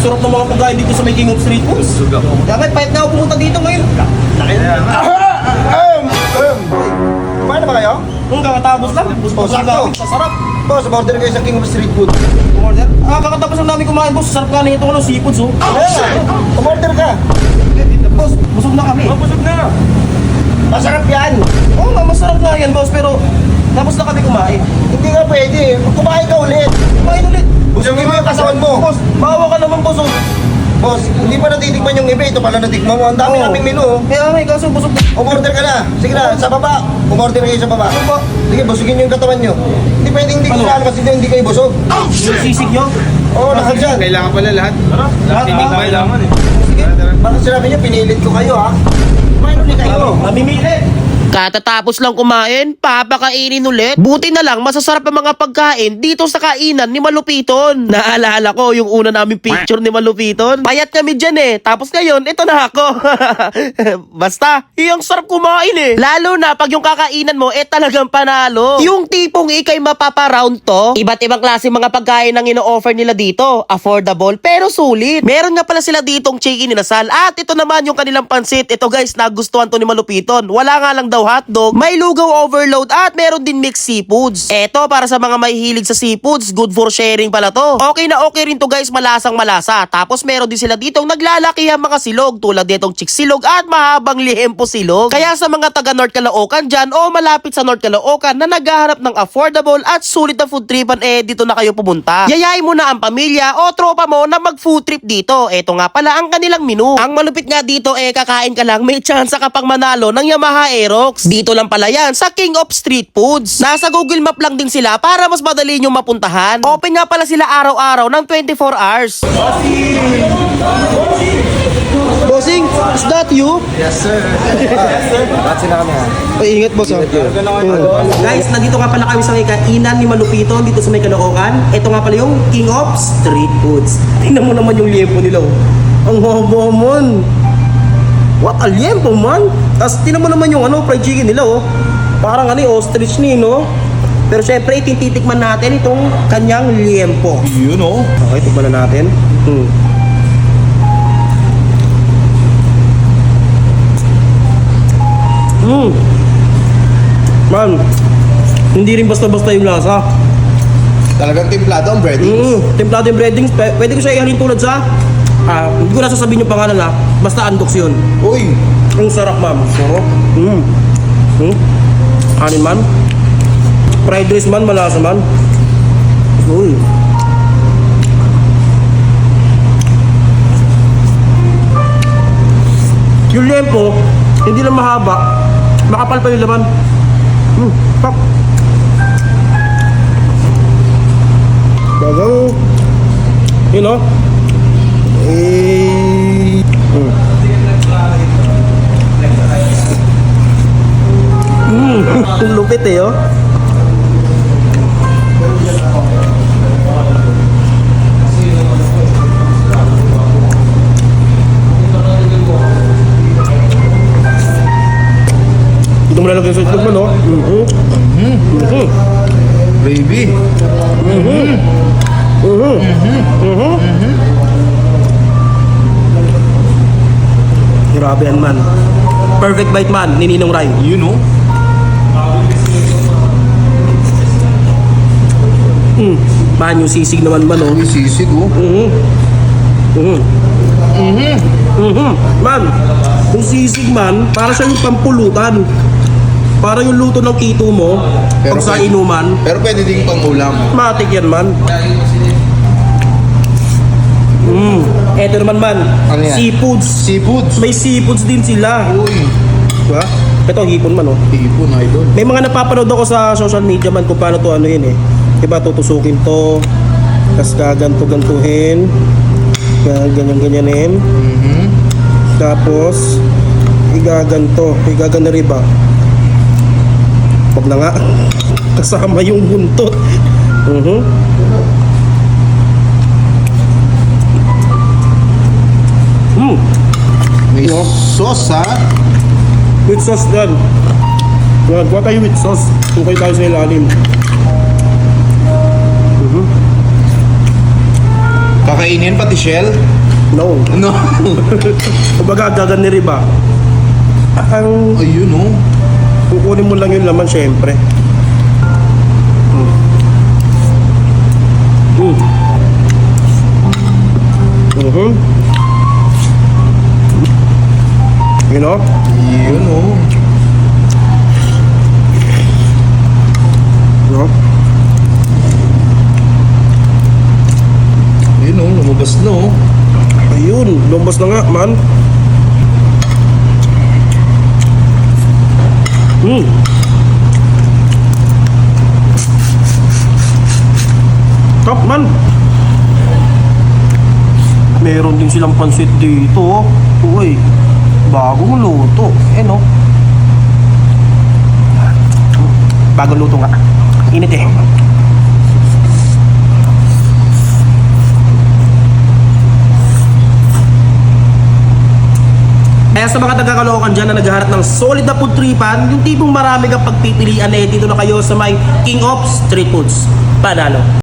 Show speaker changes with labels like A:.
A: sarap ng mga pagkain dito sa may King of Street Foods. Kaya may pahit na ako pumunta dito ngayon.
B: Kumain na ba kayo?
A: Kakatapos lang. Busog
B: sakto.
A: namin sa sarap.
B: Boss, order kayo sa King of Street Food.
A: Order? Kakatapos lang namin kumain, boss. Sarap ka na ito, seafoods, oh.
B: Umorder ka.
A: Boss, busog na kami.
B: Busog na. Masarap yan.
A: Oo nga, masarap nga yan, boss. Pero tapos na kami kumain.
B: Hindi nga pwede. Kumain ka ulit.
A: Kumain ulit.
B: Busugin mo yung kasawan mo.
A: Boss, bawa ka naman, boss, oh.
B: Boss, hindi pa natitikman yung iba. Ito pala natikman mo. Ang dami
A: Oo.
B: naming menu. Oh.
A: Kaya may kaso busog na.
B: Umorder ka na. Sige na, sa baba. Umorder kayo sa baba.
A: Ano ba?
B: Sige, busugin nyo yung katawan nyo. Hindi pwedeng hindi
A: Ano?
B: ko kasi hindi kayo busog.
A: Yung sisig nyo.
B: Oo, lahat dyan.
C: Kailangan pala lahat.
A: Lahat ba?
C: Kailangan eh.
A: Sige.
B: Bakit sinabi niyo, pinilit ko kayo ha? Kumain ulit kayo.
A: Namimili.
D: Katatapos lang kumain, papakainin ulit. Buti na lang masasarap ang mga pagkain dito sa kainan ni Malupiton. Naalala ko yung una naming picture ni Malupiton. Payat kami dyan eh. Tapos ngayon, ito na ako. Basta, yung sarap kumain eh. Lalo na pag yung kakainan mo, talagang panalo. Yung tipong ikay mapaparound to, iba't ibang klase mga pagkain ang ino-offer nila dito. Affordable, pero sulit. Meron nga pala sila ditong chicken inasal. At ito naman yung kanilang pansit. Ito guys, nagustuhan to ni Malupiton. Wala nga lang daw hotdog, may lugaw overload at meron din mixed seafoods. Eto, para sa mga may hilig sa seafoods, good for sharing pala to. Okay na okay rin to guys, malasang malasa. Tapos meron din sila ditong naglalaki ang mga silog tulad ditong chick silog at mahabang lihempo silog. Kaya sa mga taga North Caloocan dyan o malapit sa North Caloocan na naghahanap ng affordable at sulit na food tripan, dito na kayo pumunta. Yayain mo na ang pamilya o tropa mo na mag food trip dito. Eto nga pala ang kanilang menu. Ang malupit nga dito kakain ka lang, may chance ka pang manalo ng Yamaha Aerox. Dito lang pala yan sa King of Street Foods. Nasa Google Map lang din sila para mas madali nyo mapuntahan. Open nga pala sila araw-araw ng 24 hours.
A: Bossing, is that you?
B: Yes sir. Bakit sila kami ha?
A: Ay, ingat, boss, ha?
D: Guys, nandito nga pala kami sa may kainan ni Malupito dito sa may Caloocan. Ito nga pala yung King of Street Foods. Tingnan mo naman yung liempo nila, oh. Ang haba man. What a liempo man. Tapos tingnan mo naman yung fried chicken nila, oh. Parang ostrich ni, no? Pero syempre, titikman natin itong kanyang liempo.
A: Yun, oh.
D: Okay, tikman na natin. Man, hindi rin basta-basta yung lasa.
C: Talagang timplado ang breading.
D: Templado yung breadings, pwede ko siya ihalin tulad sa hindi ko na sasabihin yung pangalan basta Andox yun.
C: Uy!
D: Ang sarap, ma'am. Sarap. Kanin man. Fried rice man, malasa man. Uy. Yung lempo, hindi lang mahaba, makapal pa yung laman. Pak. Bagang, you know, lupit oh. Ito mo lalagyan sa itlog mo, no?
C: Baby!
D: Grabe yan, man. Perfect bite, man, ni Ninong Rai.
C: You know?
D: Man, yung sisig naman man, oh.
C: Uy, sisig oh.
D: Man, yung sisig man, para siya yung pampulutan. Para yung luto ng ito mo, pag sa
C: pwede-
D: inuman,
C: Pero pwede din pang ulam.
D: matik yan, man. Eto naman, man.
C: Ano yan?
D: Seafoods.
C: Seafoods.
D: May seafoods din sila.
C: Uy!
D: Diba? Ito, hipon man, oh.
C: Hipon, idol.
D: May mga napapanood ako sa social media man kung paano to Diba, tutusukin to. Tapos gaganto-gantuhin. Ganyan-ganyanin. Tapos, igagana riba. Wag na nga. Kasama yung buntot.
C: May sauce ha?
D: With sauce dyan. Kuha tayo with sauce. Tukay tayo sa ilalim.
C: Kakainin pati shell?
A: No.
C: No.
A: Kumbaga, gagan ni Riba. Ang
C: Ayun oh.
A: kukunin mo lang yung laman, syempre. You know?
C: Yun oh.
A: No?
C: Yun oh, lumabas na oh.
A: Ayun, lumabas na nga, man. Top, man. Meron din silang pansit dito. Uy, bagong luto. No? Bagong luto nga. Init eh. Kaya sa mga taga-Caloocan dyan na naghahanap ng solid na food tripan, yung tipong marami kang pagpipilian dito na kayo sa may King of Street Foods. Panalo.